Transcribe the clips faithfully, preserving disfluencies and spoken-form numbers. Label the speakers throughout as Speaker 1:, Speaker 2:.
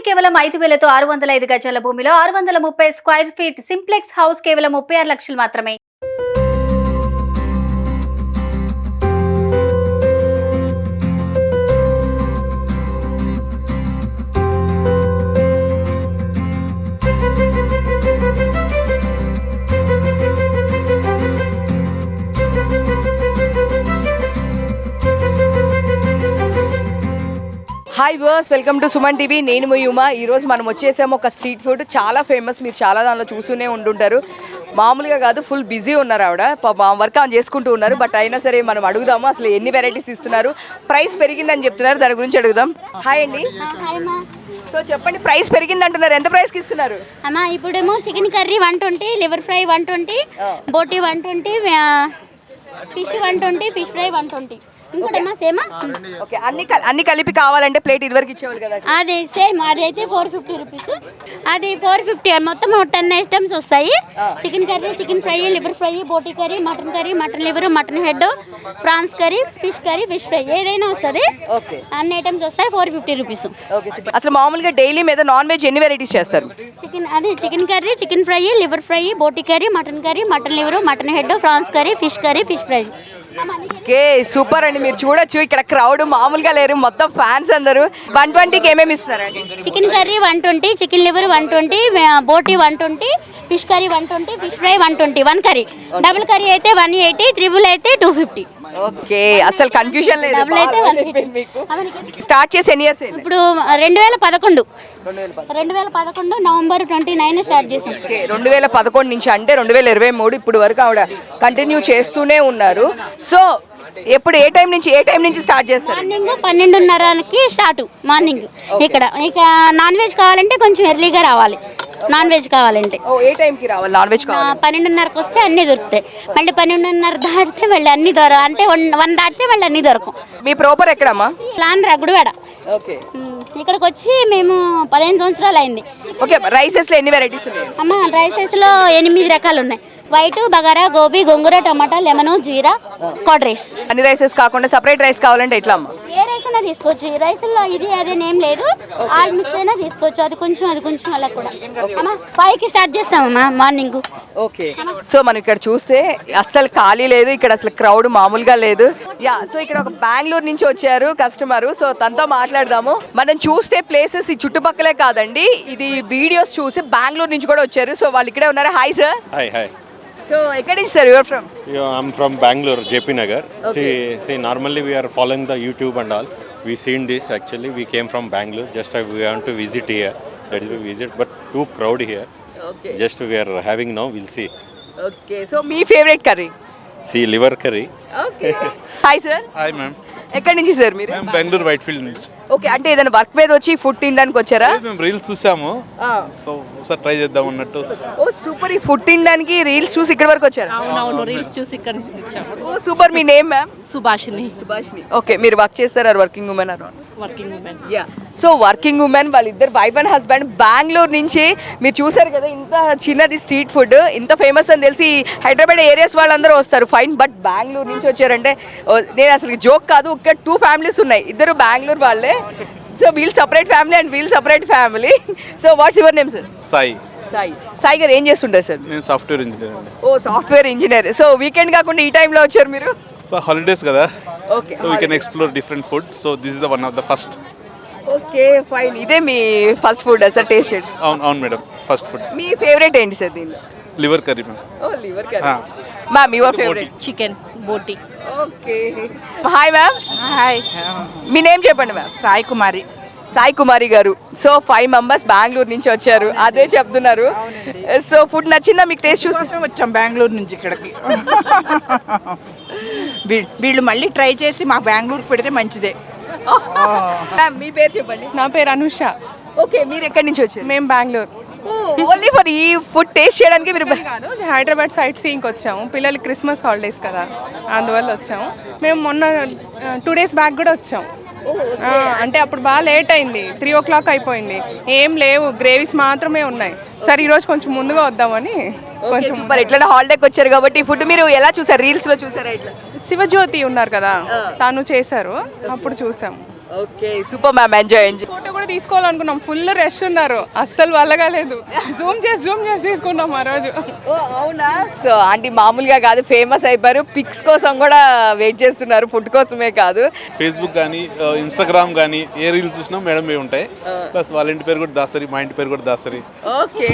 Speaker 1: కేవలం ఐదు వేలతో ఆరు వందల ఐదు గజాల భూమిలో ఆరు వందల ముప్పై స్క్వేర్ ఫీట్ సింప్లెక్స్ హౌస్ కేవలం ముప్పై ఆరు లక్షలు మాత్రమే.
Speaker 2: Hi viewers, welcome to Suman TV. నేను మీ ఉమా. ఈరోజు మనం వచ్చేసాము ఒక స్ట్రీట్ ఫుడ్, చాలా ఫేమస్, మీరు చాలా దానిలో చూస్తూనే ఉంటుంటారు. మామూలుగా కాదు, ఫుల్ బిజీ ఉన్నారు ఆవిడ, వర్క్ ఆన్ చేసుకుంటూ ఉన్నారు. బట్ అయినా సరే మనం అడుగుదాము అసలు ఎన్ని వెరైటీస్ ఇస్తున్నారు, ప్రైస్ పెరిగిందని చెప్తున్నారు, దాని గురించి అడుగుదాం. హాయ్ అండి. సో చెప్పండి, ప్రైస్ పెరిగింది అంటున్నారు, ఎంత ప్రైస్కి ఇస్తున్నారు?
Speaker 3: అమ్మా ఇప్పుడేమో chicken curry one twenty, liver fry one twenty, boti one twenty, fish one twenty, fish fry one twenty. ఇంకోటమ్మా సేమా
Speaker 2: ఓకే, అన్ని అన్ని కలిపి కావాలంటే ప్లేట్ ఇదివరకు ఇచ్చేవాళ్ళు కదా,
Speaker 3: అది సేమ్ అది అయితే ఫోర్ ఫిఫ్టీ రూపీస్, అది ఫోర్ ఫిఫ్టీ. మొత్తం టెన్ ఐటమ్స్ వస్తాయి. Chicken curry, chicken fry, liver fry, boti curry, mutton curry, mutton liver, mutton head, prawns curry, fish curry, fish fry, ఏదైనా వస్తుంది. అన్ని ఐటమ్స్ వస్తాయి, ఫోర్ ఫిఫ్టీ రూపీస్.
Speaker 2: అసలు మామూలుగా డైలీ మీద నాన్ వెజ్ ఎన్ని వెరైటీస్ చేస్తారు?
Speaker 3: చికెన్ అది chicken curry, chicken fry, liver fry, boti curry, mutton curry, mutton liver, mutton head, prawns curry, fish curry, fish fry.
Speaker 2: Okay, super అండి. మీరు చూడొచ్చు ఇక్కడ క్రౌడ్ మామూలుగా లేరు, మొత్తం ఫ్యాన్స్ అందరూ. వన్ ట్వంటీకి ఏమేమి ఇస్తున్నారండి?
Speaker 3: Chicken curry one twenty, chicken liver one twenty, boti one twenty, fish curry one twenty, fish fry one twenty. One curry, double curry అయితే వన్ ఎయిటీ, త్రిబుల్ అయితే టూ ఫిఫ్టీ.
Speaker 2: ఓకే, అసలు కన్ఫ్యూజన్ లేదు.
Speaker 3: Double అయితే one fifty.
Speaker 2: Start చేసి ఎన్ని years?
Speaker 3: ఇప్పుడు రెండు వేల పదకొండు రెండు వేల పదకొండు నవంబర్ ట్వంటీ నైన్ స్టార్ట్ చేసాం.
Speaker 2: రెండు వేల పదకొండు నుంచి అంటే రెండు వేల ఇరవై మూడు ఇప్పుడు వరకు ఆవిడ కంటిన్యూ చేస్తూనే ఉన్నారు. సో ఎప్పుడు ఏ టైం నుంచి ఏ టైం నుంచి స్టార్ట్ చేస్తారు?
Speaker 3: మార్నింగ్ పన్నెండున్నరకి స్టార్ట్ మార్నింగ్. ఇక్కడ ఇక నాన్ వెజ్ కావాలంటే కొంచెం ఎర్లీగా రావాలి. నాన్ వెజ్ కావాలంటే
Speaker 2: ఏ టైంకి రావాలి? నాన్ వెజ్ కావాలి
Speaker 3: పన్నెండున్నరకు వస్తే అన్ని దొరుకుతాయి. మళ్ళీ పన్నెండున్నర దాటితే మళ్ళీ అన్ని దొర అంటే వన్ దాటితే మళ్ళీ అన్ని దొరకవు.
Speaker 2: మీ ప్రాపర్ ఎక్కడమ్మా?
Speaker 3: లాండ్రా గుడివాడ.
Speaker 2: ఓకే,
Speaker 3: ఇక్కడికి వచ్చి మేము పదిహేను సంవత్సరాలు అయింది.
Speaker 2: ఓకే, రైసెస్ లో ఎన్ని వెరైటీస్ ఉన్నాయి?
Speaker 3: అమ్మ రైసెస్ లో ఎనిమిది రకాలు ఉన్నాయి. వైట్, బగారా, గోబీ, గోంగూర, టమాటా, లెమన్, జీరా, కర్డ్ రైస్.
Speaker 2: అన్ని రైసెస్ కాకుండా సపరేట్ రైస్ కావాలంటే ఎట్లా అమ్మా?
Speaker 3: ఏ రైస్ అయినా తీసుకోవచ్చు. రైస్ లో ఇది అదేనేం లేదు, ఆల్ మిక్స్ అయినా తీసుకోవచ్చు. అది కొంచెం అది కొంచెం అలా కూడా. అమ్మా ఫైవ్ కి స్టార్ట్ చేస్తామమ్మా మార్నింగ్.
Speaker 2: ఓకే, సో మనం ఇక్కడ చూస్తే అస్సలు ఖాళీ లేదు, ఇక్కడ అసలు క్రౌడ్ మామూలుగా లేదు. యా, సో ఇక్కడ ఒక బెంగళూరు నుంచి వచ్చారు కస్టమర్, సో తనతో మాట్లాడదాము. మనం చూస్తే ప్లేసెస్ ఈ చుట్టుపక్కలే కాదండి, ఇది వీడియోస్ చూసి బెంగళూరు నుంచి కూడా వచ్చారు. సో వాళ్ళు ఇక్కడే ఉన్నారు. Hi sir.
Speaker 4: Hi hi.
Speaker 2: So, where is sir? You are from?
Speaker 4: Yeah, I'm from Bangalore, J P Nagar. Okay. See, see, normally we are following the YouTube and all. We seen this actually. We came from Bangalore. Just uh, we want to visit here. That is we visit, but too crowd here.
Speaker 2: Okay.
Speaker 4: Just we are having now. We'll see.
Speaker 2: Okay. So, my favorite curry.
Speaker 4: See, liver curry.
Speaker 2: Okay. Hi sir.
Speaker 5: Hi ma'am.
Speaker 2: ఎక్కడి నుంచి sir మీరు?
Speaker 5: మేము Bengaluru Whitefield నుంచి.
Speaker 2: Okay, అంటే ఏదైనా work మీద వచ్చి food తినడానికి వచ్చారా?
Speaker 5: మేము రీల్స్ చూసాము, సో ఒకసారి ట్రై చేద్దాం అన్నట్టు.
Speaker 2: ఓ సూపర్, ఈ ఫుడ్ తినడానికి రీల్స్ చూసి ఇక్కడ వరకు వచ్చారా?
Speaker 6: అవునవును, రీల్స్ చూసి ఇక్కడ వచ్చాము.
Speaker 2: ఓ సూపర్. మీ name ma'am?
Speaker 6: Subhashini.
Speaker 2: Subhashini. Okay, మీరు వర్క్ చేస్తారా? Working women or
Speaker 6: working women.
Speaker 2: Yeah, so working women వాళ్ళిద్దరు వైఫ్ అండ్ హస్బెండ్ బెంగళూరు నుంచి. మీరు చూసారు కదా, ఇంత చిన్నది స్ట్రీట్ ఫుడ్, ఇంత ఫేమస్ అని తెలిసి హైదరాబాద్ ఏరియాస్ వాళ్ళందరూ వస్తారు, ఫైన్. బట్ బెంగళూరు నుంచి వచ్చారంటే నేను అసలు జోక్ కాదు. ఒక టూ ఫ్యామిలీస్ ఉన్నాయి, ఇద్దరు బెంగళూరు వాళ్ళే. So we'll separate family and we'll separate family. So what's your name sir?
Speaker 5: Sai.
Speaker 2: Sai. Sai garu ఏం చేస్తుంటారు సార్?
Speaker 5: నేను సాఫ్ట్వేర్ ఇంజనీర్ అండి.
Speaker 2: ఓ సాఫ్ట్వేర్ ఇంజనీర్. సో వీకెండ్ కాకుండా ఈ టైంలో వచ్చారు మీరు?
Speaker 5: సో హాలిడేస్ కదా,
Speaker 2: okay,
Speaker 5: so we can explore different food. So this is the one of the first.
Speaker 2: Okay fine. ఇదే మీ ఫస్ట్ ఫుడ్ సార్ టేస్ట్ చేయండి?
Speaker 5: అవును అవును మేడం, ఫస్ట్ ఫుడ్.
Speaker 2: మీ ఫేవరెట్ ఏంటి సార్ దీనిలో?
Speaker 5: Liver curry ma'am.
Speaker 2: ఓ liver curry. Ma'am your favourite?
Speaker 6: Chicken, boti.
Speaker 2: Okay. Hi ma'am.
Speaker 7: Hi,
Speaker 2: మీ name చెప్పండి ma'am?
Speaker 7: Sai Kumari.
Speaker 2: Sai Kumari garu. So five members Bengaluru నుంచి వచ్చారు, అదే చెప్తున్నారు. సో ఫుడ్ నచ్చిందా మీకు? టేస్ట్ చూసి
Speaker 7: వచ్చాం బెంగళూరు నుంచి ఇక్కడికి. వీళ్ళు మళ్ళీ ట్రై చేసి మా బెంగళూరుకి పెడితే మంచిదే.
Speaker 2: మ్యామ్ మీ పేరు చెప్పండి?
Speaker 8: నా పేరు అనుష.
Speaker 2: ఓకే, మీరు ఎక్కడి నుంచి వచ్చారు?
Speaker 8: మేము బెంగళూరు.
Speaker 2: ఓన్లీ ఫర్ ఈ ఫుడ్ టేస్ట్ చేయడానికి మీరు?
Speaker 8: కాదు, హైదరాబాద్ సైట్ సీయింగ్కి వచ్చాము. పిల్లలకి క్రిస్మస్ హాలిడేస్ కదా, అందువల్ల వచ్చాము. మేము మొన్న టూ డేస్ బ్యాక్ కూడా వచ్చాము. అంటే అప్పుడు బాగా లేట్ అయింది, త్రీ ఓ క్లాక్ అయిపోయింది, ఏం లేవు, గ్రేవీస్ మాత్రమే ఉన్నాయి. సరే ఈరోజు కొంచెం ముందుగా వద్దామని కొంచెం.
Speaker 2: మరి ఎట్లా హాలిడేకి వచ్చారు కాబట్టి ఫుడ్ మీరు ఎలా చూసారు? రీల్స్ లో చూసారా? ఇట్లా
Speaker 8: శివజ్యోతి ఉన్నారు కదా, తను చేశారు, అప్పుడు చూసాము.
Speaker 2: Okay super ma'am enjoy enjoy
Speaker 8: photo కూడా తీసుకోవాలనుకున్నాం, ఫుల్ రష్ ఉన్నారు, అస్సలు వల్లగాలేదు. జూమ్ చేసి జూమ్ చేసి తీసుకున్నాం ఆ రోజు.
Speaker 2: ఓ అవునా. సో ఆంటీ మామూలుగా కాదు ఫేమస్ అయిపోయారు, పిక్స్ కోసం కూడా వెయిట్ చేస్తున్నారు, ఫుడ్ కోసమే కాదు.
Speaker 5: ఫేస్బుక్ కానీ ఇన్స్టాగ్రామ్ కానీ ఏ రీల్స్ చూసినా మేడం ఏ ఉంటాయి. ప్లస్ వాళ్ళ ఇంటి పేరు కూడా దాసరి, మా ఇంటి పేరు కూడా దాసరి.
Speaker 2: ఓకే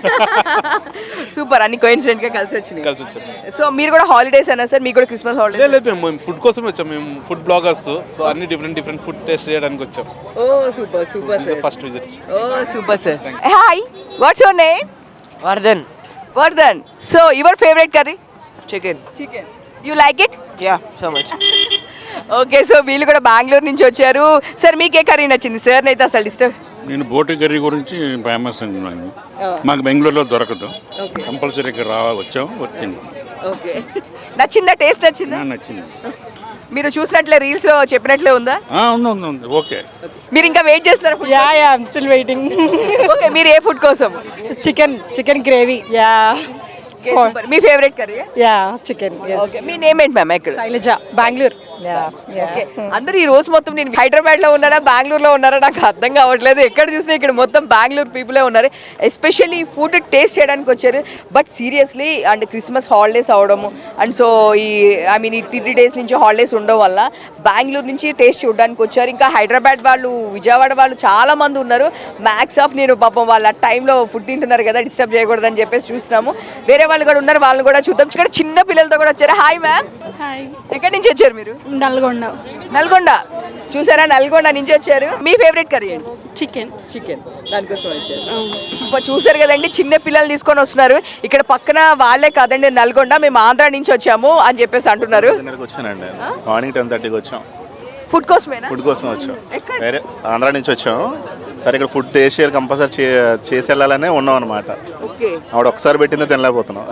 Speaker 2: సూపర్, అన్ని కోఇన్సిడెంట్ గా కలిసి వచ్చినాయి.
Speaker 5: కలిసి వచ్చాం.
Speaker 2: సో మీరు కూడా హాలిడేస్ అన్నా సార్, మీకు కూడా క్రిస్మస్ హాలిడేస్?
Speaker 5: లేదు లేదు, మేము ఫుడ్ కోసం వచ్చాం, మేము ఫుడ్ బ్లాగర్స్. సో అన్ని డిఫరెంట్ డిఫరెంట్ ఫుడ్ టేస్ట్ చేయడానికి వచ్చాం.
Speaker 2: ఓ super super sir,
Speaker 5: first visit.
Speaker 2: ఓ super sir. Hi, what's your name?
Speaker 9: Vardhan.
Speaker 2: Vardhan. So your favourite curry?
Speaker 9: Chicken.
Speaker 2: Chicken. You like it?
Speaker 9: Yeah, so much.
Speaker 2: Okay, so వీళ్ళు కూడా బెంగళూరు నుంచి వచ్చారు. Sir మీకు ఏ curry నచ్చింది? సార్ అయితే అసలు డిస్టర్బ్.
Speaker 10: నేను బోటి కర్రీ గురించి ఫేమస్ అంటున్నాను. మాకు బెంగళూరులో దొరకదు, కంపల్సరీ ఇక్కడ రా వచ్చాం వచ్చింది.
Speaker 2: ఓకే, నచ్చిందా? టేస్ట్ నచ్చిందా?
Speaker 10: నచ్చింది.
Speaker 2: మీరు చూసినట్లే రీల్స్ లో చెప్పినట్లే ఉందా?
Speaker 10: ఆ, ఉంది ఉంది ఉంది. ఓకే.
Speaker 2: మీరు ఇంకా వెయిట్ చేస్తున్నారా?
Speaker 6: Yeah yeah I'm still waiting.
Speaker 2: Okay, మీరు ఏ ఫుడ్ కోసం?
Speaker 6: Chicken chicken gravy. Yeah
Speaker 2: Okay, super. మీ favourite curry?
Speaker 6: Yeah chicken.
Speaker 2: Okay, మీ నేమ్ ఏంటి మ్యామ్? ఎక్కడ?
Speaker 6: శైలజ, బెంగళూరు. యా
Speaker 2: ఓకే, అందరూ ఈ రోజు మొత్తం నేను హైదరాబాద్ లో ఉన్నారా బెంగళూరులో ఉన్నారా నాకు అర్థం కావట్లేదు. ఎక్కడ చూసినా ఇక్కడ మొత్తం బెంగళూరు పీపులే ఉన్నారు. ఎస్పెషల్లీ ఫుడ్ టేస్ట్ చేయడానికి వచ్చారు. But seriously and Christmas holidays అవడము అండ్ సో ఈ ఐ మీన్ ఈ త్రీ డేస్ నుంచి హాలిడేస్ ఉండడం వల్ల బెంగళూరు నుంచి టేస్ట్ చూడడానికి వచ్చారు. ఇంకా హైదరాబాద్ వాళ్ళు, విజయవాడ వాళ్ళు చాలా మంది ఉన్నారు. మ్యాక్స్ ఆఫ్ నేను పాపం వాళ్ళ టైంలో ఫుడ్ తింటున్నారు కదా, డిస్టర్బ్ చేయకూడదని చెప్పేసి చూస్తున్నాము. వేరే వాళ్ళు కూడా ఉన్నారు, వాళ్ళని కూడా చూద్దాం. ఇక్కడ చిన్న పిల్లలతో కూడా వచ్చారు. Hi ma'am.
Speaker 3: హాయ్.
Speaker 2: ఎక్కడి నుంచి వచ్చారు మీరు?
Speaker 3: నల్గొండ.
Speaker 2: నల్గొండ. చూసారా, నల్గొండ నుంచి వచ్చారు. మీ ఫేవరెట్ కర్రీ ఏంటి?
Speaker 3: చికెన్.
Speaker 2: చికెన్, దానికోసం వచ్చారు. ఇప్పుడు చూసారు కదండి, చిన్న పిల్లలు తీసుకొని వస్తున్నారు. ఇక్కడ పక్కన వాళ్ళే కాదండి, నల్గొండ మేము ఆంధ్ర నుంచి వచ్చాము అని చెప్పేసి అంటున్నారు.
Speaker 11: వచ్చానండి, మార్నింగ్ టెన్ థర్టీకి వచ్చాం.
Speaker 2: ఫుడ్ కోసమేనా?
Speaker 11: ఫుడ్ కోసం వచ్చాం, వేరే ఆంధ్ర నుంచి వచ్చాం. సరే ఇక్కడ ఫుడ్ టేస్ట్ చేయాలి, కంపల్సరీ చేసి వెళ్ళాలనే ఉన్నాం అనమాట. ఆవిడ ఒకసారి పెట్టిందే తినలేకపోతున్నాం.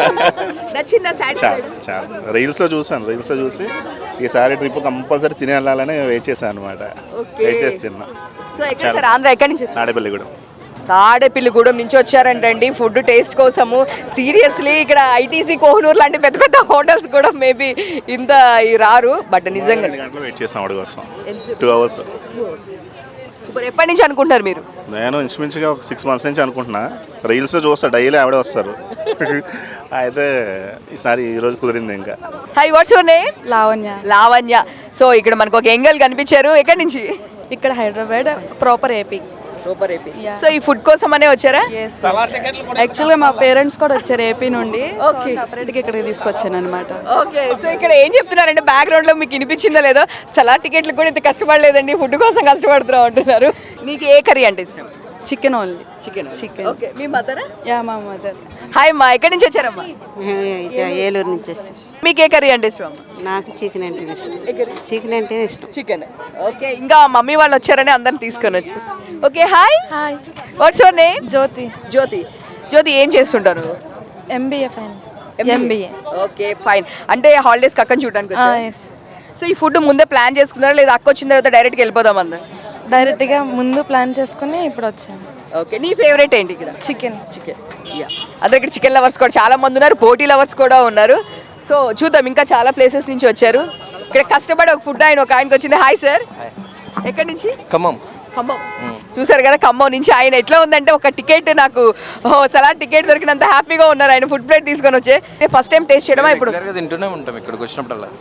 Speaker 11: చాలా చాలా రీల్స్లో చూసాను, రీల్స్లో చూసి ఈసారి ట్రిప్ కంపల్సరీ తిని వెళ్ళాలని వెయిట్ చేశాను అనమాట. వెయిట్ చేసి తిన్నా.
Speaker 2: ఆంధ్ర ఎక్కడి నుంచి?
Speaker 11: తాడేపల్లి కూడా.
Speaker 2: తాడేపల్లిగూడెం నుంచి వచ్చారంటండి ఫుడ్ టేస్ట్ కోసము. సీరియస్లీ ఇక్కడ ఐటీసీ కోహినూర్ లాంటి పెద్ద పెద్ద హోటల్స్ కూడా మేబీ ఇంత రారు. బట్ నిజంగా
Speaker 11: గంటలు వెయిట్ చేస్తాం ఆవిడ కోసం, టూ అవర్స్.
Speaker 2: సూపర్. ఎప్పటి నుంచి అనుకుంటారు మీరు?
Speaker 11: నేను ఇంచుమించుగా ఒక సిక్స్ మంత్స్ నుంచి అనుకుంటున్నా. రీల్స్లో చూస్తా, డైలీ ఆవిడే వస్తారు. అయితే ఈసారి ఈరోజు కుదిరింది. ఇంకా
Speaker 2: hi, what's your name?
Speaker 6: Lavanya.
Speaker 2: Lavanya. So ఇక్కడ మనకు ఒక ఎంగల్ కనిపించారు. ఎక్కడి నుంచి?
Speaker 6: ఇక్కడ Hyderabad, proper AP.
Speaker 2: Super AP. So ఈ ఫుడ్ కోసం అనే వచ్చారా?
Speaker 6: యాక్చువల్గా మా పేరెంట్స్ కూడా వచ్చారు ఏపీ నుండి, సపరేట్గా ఇక్కడికి తీసుకొచ్చాను అనమాట.
Speaker 2: ఓకే, సో ఇక్కడ ఏం చెప్తున్నారంటే బ్యాక్గ్రౌండ్ లో మీకు వినిపించిందో లేదో, సలాడ్ టికెట్లు కూడా ఇంత కష్టపడలేదండి, ఫుడ్ కోసం కష్టపడుతున్నాం అంటున్నారు. మీకు ఏ కర్రీ అంటే ఇష్టం?
Speaker 6: Chicken only.
Speaker 2: Chicken.
Speaker 6: Chicken.
Speaker 2: Okay, మీ మదరా?
Speaker 6: యా, మా మదర్.
Speaker 2: హాయ్ అమ్మా, ఎక్కడి నుంచి వచ్చారమ్మా?
Speaker 9: ఏలూరు నుంచి వస్తాం.
Speaker 2: మీకు ఏ కర్రీ అంటే ఇష్టం అమ్మా?
Speaker 9: నాకు చికెన్ అంటే ఇష్టం. చికెన్ అంటే ఇష్టం.
Speaker 2: చికెన్. ఓకే, ఇంకా మమ్మీ వాళ్ళు వచ్చారని అందరిని తీసుకొని వచ్చి. Okay, hi.
Speaker 6: Hi.
Speaker 2: What's your name?
Speaker 6: Jyothi.
Speaker 2: Jyothi. Jyothi ఏం చేస్తుంటారు?
Speaker 6: MBA fine. MBA.
Speaker 2: Okay fine. అంటే హాలిడేస్ అక్కని చూడడానికి వచ్చారా? సో ఈ ఫుడ్ ముందే ప్లాన్ చేసుకున్నారా లేదా అక్క వచ్చిన తర్వాత డైరెక్ట్గా వెళ్ళిపోదాం అందరు?
Speaker 6: డైరెక్ట్గా ముందు ప్లాన్ చేసుకుని ఇప్పుడు వచ్చాను.
Speaker 2: ఓకే, నీ ఫేవరెట్ ఏంటి ఇక్కడ?
Speaker 6: చికెన్.
Speaker 2: చికెన్. యా, అదే ఇక్కడ చికెన్ లవర్స్ కూడా చాలా మంది ఉన్నారు, బోటీ లవర్స్ కూడా ఉన్నారు. సో చూద్దాం, ఇంకా చాలా ప్లేసెస్ నుంచి వచ్చారు. ఇక్కడ కష్టపడి ఒక ఫుడ్ ఆయన ఒక ఆయనకి వచ్చింది. హాయ్ సార్, ఎక్కడి నుంచి?
Speaker 11: ఖమ్మం.
Speaker 2: ఖమ్మం. చూసారు కదా, ఖమ్మం నుంచి ఆయన. ఎట్లా ఉందంటే ఒక టికెట్ నాకు సలాడ్ టికెట్ దొరికినంత హ్యాపీగా ఉన్నారు ఆయన. ఫుడ్ ప్లేట్ తీసుకొని వచ్చే ఫస్ట్ టైం టేస్ట్ చేయడమా? ఇప్పుడు
Speaker 11: తింటూనే ఉంటాం ఇక్కడికి వచ్చినప్పుడల్లా.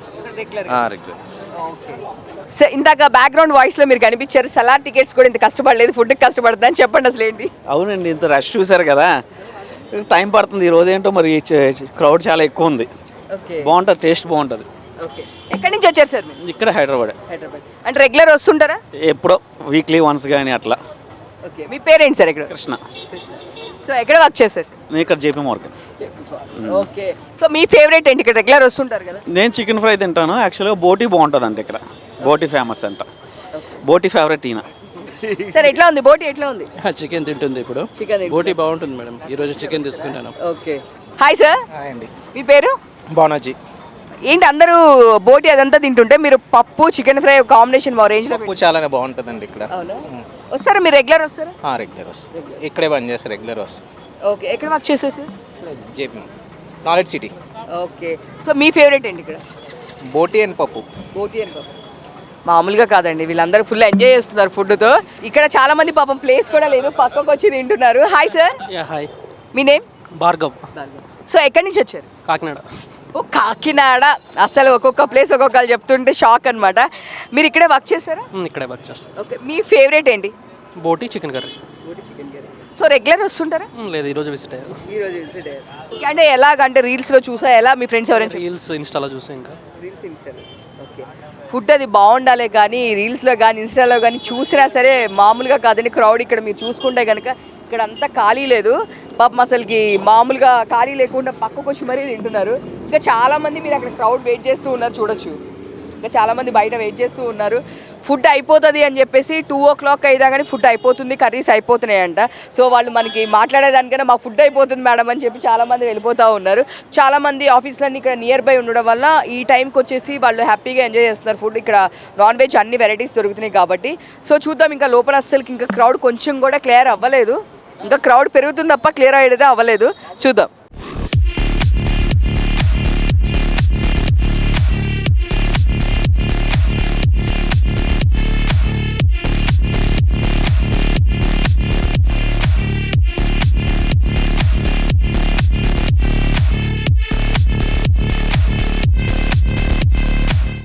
Speaker 2: సో ఇందాక బ్యాక్గ్రౌండ్ వాయిస్ లో మీరు కనిపించారు, సలాడ్ టికెట్స్ కూడా ఇంత కష్టపడలేదు, ఫుడ్ కష్టపడుతుంది అని చెప్పండి అసలు ఏంటి?
Speaker 9: అవునండి, ఇంత రష్ చూసారు కదా, టైం పడుతుంది. ఈ రోజు ఏంటో మరి క్రౌడ్ చాలా ఎక్కువ ఉంది. బాగుంటుంది, టేస్ట్ బాగుంటుంది.
Speaker 2: ఓకే, ఎక్కడి నుంచి వచ్చారు సార్ మీరు?
Speaker 9: ఇక్కడ హైదరాబాద్.
Speaker 2: హైదరాబాద్ అంటే రెగ్యులర్ వస్తుంటారా?
Speaker 9: ఎప్పుడో వీక్లీ వన్స్ కానీ అట్లా.
Speaker 2: ఓకే, మీ పేరెంట్ సార్? ఇక్కడ
Speaker 9: కృష్ణ.
Speaker 2: సో ఎక్కడ వర్క్ చేస్తారు సార్?
Speaker 9: నేను ఇక్కడ జేపీ మార్కెట్.
Speaker 2: ఓకే, సో మీ ఫేవరెట్ ఏంటి? ఇక్కడ రెగ్యులర్ వస్తుంటారు కదా.
Speaker 9: నేను చికెన్ ఫ్రై తింటాను. యాక్చువల్గా బోటీ బాగుంటుంది అంటే ఇక్కడ బోటీ ఫేమస్ అంట. బోటీ ఫేవరెట్ ఈయన.
Speaker 2: సార్ ఎట్లా ఉంది బోటీ? ఎట్లా ఉంది?
Speaker 12: చికెన్ తింటుంది ఇప్పుడు.
Speaker 2: చికెన్
Speaker 12: బోటీ బాగుంటుంది మేడం, ఈరోజు చికెన్ తీసుకుంటాను.
Speaker 2: Okay, hi sir.
Speaker 12: హాయ్ అండి.
Speaker 2: మీ పేరు?
Speaker 12: బానాజీ.
Speaker 2: ఏంటి అందరూ బోటీ అదంతా తింటుంటే మీరు పప్పు చికెన్ ఫ్రై కాంబినేషన్ మా రేంజ్ లో
Speaker 12: పప్పు చాలానే బాగుంటుందండి ఇక్కడ.
Speaker 2: వస్తారా మీరు? రెగ్యులర్ వస్తారా?
Speaker 12: రెగ్యులర్ వస్తాం, ఇక్కడే బంద్ చేస్తారు, రెగ్యులర్ వస్తాం.
Speaker 2: ఓకే, ఎక్కడ వర్క్ చేస్తారు sir?
Speaker 12: JP knowledge city.
Speaker 2: Okay, so మీ ఫేవరెట్ ఏంటి ఇక్కడ?
Speaker 12: బోటీ అండ్ పప్పు.
Speaker 2: బోటీ అండ్ పప్పు. మామూలుగా కాదండి, వీళ్ళందరూ ఫుల్ ఎంజాయ్ చేస్తున్నారు ఫుడ్తో. ఇక్కడ చాలా మంది పాపం ప్లేస్ కూడా లేదు, పక్కకు వచ్చి తింటున్నారు. Hi sir.
Speaker 12: హాయ్,
Speaker 2: మీ నేమ్?
Speaker 12: భార్గవ్.
Speaker 2: సో ఎక్కడి నుంచి వచ్చారు?
Speaker 12: కాకినాడ.
Speaker 2: ఓ కాకినాడ. అసలు ఒక్కొక్క ప్లేస్ ఒక్కొక్కరు చెప్తుంటే షాక్ అనమాట. మీరు ఇక్కడే వర్క్ చేస్తారా?
Speaker 12: ఇక్కడే వర్క్ చేస్తాం.
Speaker 2: ఓకే, మీ ఫేవరెట్ ఏంటి?
Speaker 12: Boti chicken curry.
Speaker 2: So regular వస్తుంటారా?
Speaker 12: లేదు, ఈరోజు విజిట్ అయ్యారు.
Speaker 2: ఈరోజు విజిట్ అయ్యారు. అంటే ఎలాగంటే రీల్స్లో చూసా, ఎలా మీ ఫ్రెండ్స్ ఎవరైనా
Speaker 12: రీల్స్ ఇన్స్టాలో చూసి ఇంకా
Speaker 2: రీల్స్ ఇన్స్టాలో. ఓకే, ఫుడ్ అది బాగుండాలి కానీ రీల్స్లో కానీ ఇన్స్టాలో కానీ చూసినా సరే మామూలుగా కాదండి క్రౌడ్. ఇక్కడ మీరు చూసుకుంటే కనుక ఇక్కడ అంతా ఖాళీ లేదు పాపం, అసలుకి మామూలుగా ఖాళీ లేకుండా పక్కకు వచ్చి మరీ తింటున్నారు. ఇంకా చాలామంది మీరు అక్కడ క్రౌడ్ వెయిట్ చేస్తూ ఉన్నారు చూడొచ్చు. ఇంకా చాలామంది బయట వెయిట్ చేస్తూ ఉన్నారు. ఫుడ్ అయిపోతుంది అని చెప్పేసి టూ ఓ క్లాక్ అయిదా కానీ ఫుడ్ అయిపోతుంది, కర్రీస్ అయిపోతున్నాయంట. సో వాళ్ళు మనకి మాట్లాడేదానికన్నా మా ఫుడ్ అయిపోతుంది మేడం అని చెప్పి చాలామంది వెళ్ళిపోతూ ఉన్నారు. చాలామంది ఆఫీస్లన్నీ ఇక్కడ నియర్ బై ఉండడం వల్ల ఈ టైంకి వచ్చేసి వాళ్ళు హ్యాపీగా ఎంజాయ్ చేస్తున్నారు ఫుడ్. ఇక్కడ నాన్ వెజ్ అన్ని వెరైటీస్ దొరుకుతున్నాయి కాబట్టి. సో చూద్దాం, ఇంకా లోపల అస్సలకి ఇంకా క్రౌడ్ కొంచెం కూడా క్లియర్ అవ్వలేదు. ఇంకా క్రౌడ్ పెరుగుతుంది తప్ప క్లియర్ అయ్యేదే అవ్వలేదు. చూద్దాం.